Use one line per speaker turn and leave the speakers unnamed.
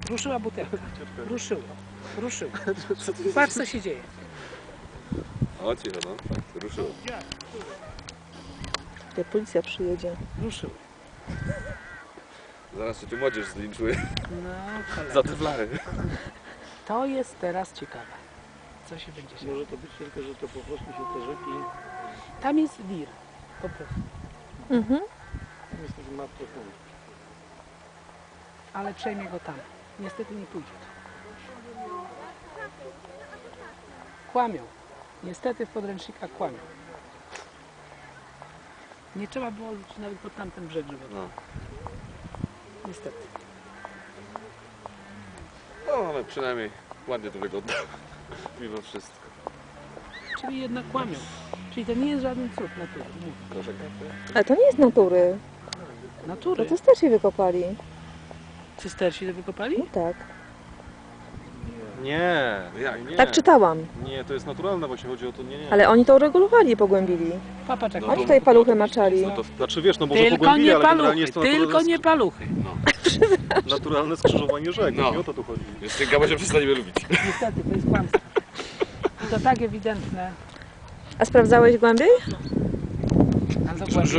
Ruszyła butelka. Ruszyło. Ruszyło. Patrz, co się dzieje.
O, cicho, no. Tak, ruszyło.
Jak policja przyjedzie.
Ruszyło.
Zaraz się tu młodzież zlinczuje.
No, cholera.
Za te flary.
To jest teraz ciekawe. Co się będzie działo.
Może to być tylko, że to po prostu się te rzeki...
Tam jest wir. Po prostu.
Mhm.
Tam jest taki martwy punkt.
Ale przejmie go tam. Niestety nie pójdzie. Kłamią. Niestety w podręcznikach kłamią. Nie trzeba było iść nawet pod tamten brzeg, żeby...
No.
Niestety.
No, ale przynajmniej ładnie to wygląda. Mimo wszystko.
Czyli jednak kłamią. Czyli to nie jest żaden cud natury. Nie.
Proszę.
Ale to nie jest natury.
Natury?
No to starsi wykopali.
Cystersi to wykopali?
No tak.
Nie, nie.
Tak czytałam.
Nie, to jest naturalne, właśnie chodzi o to, nie.
Ale oni to uregulowali i pogłębili.
Papaczek.
Oni tutaj paluchy maczali.
No to znaczy wiesz, no może
Tylko
pogłębili,
nie
ale generalnie
paluchy,
jest to
tylko nie paluchy.
naturalne skrzyżowanie rzek,
No.
no. O to tu chodzi.
Jeszcze Gaba się przestaniemy lubić.
Niestety, to jest kłamstwo. I to tak ewidentne.
A sprawdzałeś głębiej?
Ale dokładnie.